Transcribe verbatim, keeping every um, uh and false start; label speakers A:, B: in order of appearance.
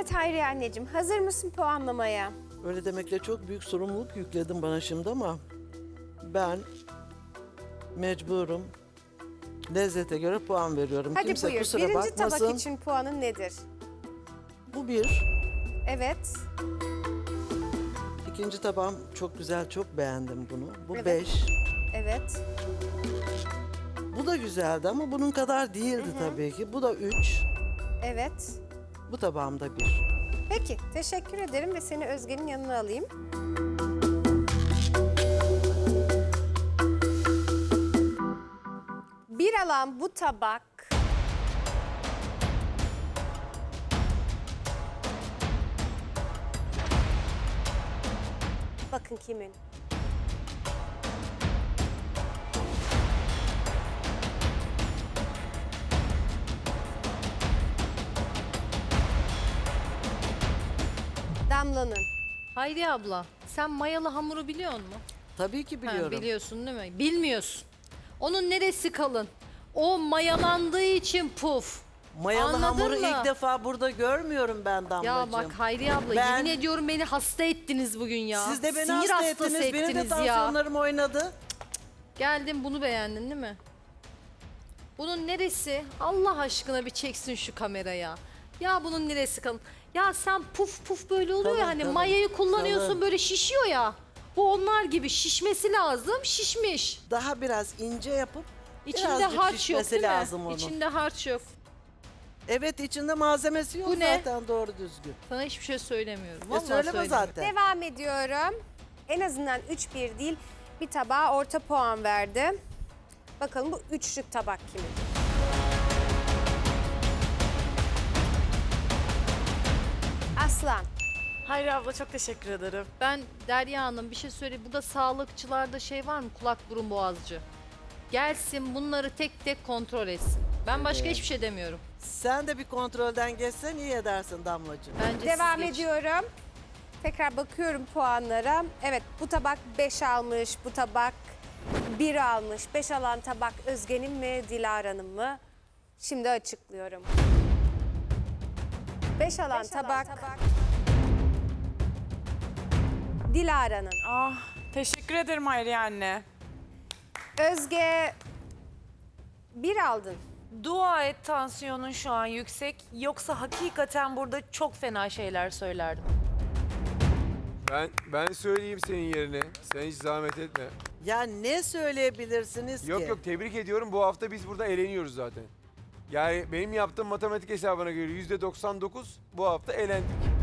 A: Evet Hayriye anneciğim, hazır mısın puanlamaya?
B: Öyle demekle çok büyük sorumluluk yükledin bana şimdi ama ben mecburum. Lezzete göre puan veriyorum.
A: Hadi
B: Kimse
A: buyur.
B: kusura
A: Birinci
B: bakmasın.
A: tabak için puanın nedir?
B: Bu bir.
A: Evet.
B: İkinci tabağım çok güzel, çok beğendim bunu. Bu
A: Evet.
B: beş.
A: Evet.
B: Bu da güzeldi ama bunun kadar değildi tabii ki. Bu da üç.
A: Evet.
B: Bu tabağım da bir.
A: Peki, teşekkür ederim ve seni Özge'nin yanına alayım. Bir alan bu tabak bakın kimin? Damla'nın.
C: Hayriye abla, sen mayalı hamuru biliyor musun?
B: Tabii ki
C: Ha,
B: biliyorum.
C: biliyorsun değil mi? Bilmiyorsun. Onun neresi kalın? O mayalandığı için puf.
B: Mayalı
C: Anladın
B: hamuru
C: mı?
B: ilk defa burada görmüyorum ben Damlacığım.
C: Ya bak Hayriye abla,
B: Ben-
C: yemin ediyorum beni hasta ettiniz bugün ya.
B: Siz de beni
C: Sinir
B: hasta
C: hastası
B: ettiniz. Benim de
C: ettiniz ya.
B: tansiyonlarım oynadı.
C: Geldin, bunu beğendin değil mi? Bunun neresi? Allah aşkına bir çeksin şu kameraya. Ya bunun neresi kalın? Ya sen puf puf böyle oluyor
B: Kalın,
C: ya hani
B: kalın,
C: mayayı kullanıyorsun
B: kalın.
C: böyle şişiyor ya. Bu onlar gibi şişmesi lazım, şişmiş.
B: Daha biraz ince yapıp
C: İçinde
B: birazcık
C: harç yok
B: şişmesi
C: değil mi?
B: lazım onun.
C: İçinde harç yok.
B: Evet, içinde malzemesi yok
C: Bu ne?
B: zaten doğru düzgün.
C: Sana hiçbir şey söylemiyorum.
B: Ya
C: Vallahi
B: söyleme
C: söylemiyorum.
B: zaten.
A: Devam ediyorum. En azından üç bir değil, bir tabağa orta puan verdim. Bakalım bu üçlük tabak kimin? Aslan.
D: Hayri abla çok teşekkür ederim.
C: Ben Derya Hanım bir şey söyleyeyim. Burada sağlıkçılarda şey var mı? Kulak burun boğazcı. Gelsin bunları tek tek kontrol etsin. Ben başka hiçbir şey demiyorum.
B: Sen de bir kontrolden geçsen iyi edersin Damlacığım.
C: Bence
A: Devam
C: siz geçin.
A: ediyorum. Tekrar bakıyorum puanlara. Evet, bu tabak beş almış, bu tabak bir almış. beş alan tabak Özge'nin mi, Dilara'nın mı? Şimdi açıklıyorum. beş alan tabak, Dilara'nın.
D: Ah, teşekkür ederim Hayriye anne.
A: Özge bir aldın.
E: Dua et tansiyonun şu an yüksek. Yoksa hakikaten burada çok fena şeyler söylerdim.
F: Ben ben söyleyeyim senin yerine. Sen hiç zahmet etme.
B: Ya ne söyleyebilirsiniz
F: Yok
B: ki?
F: yok, tebrik ediyorum. Bu hafta biz burada eğleniyoruz zaten. Yani benim yaptığım matematik hesabına göre yüzde doksan dokuz bu hafta eğlendik.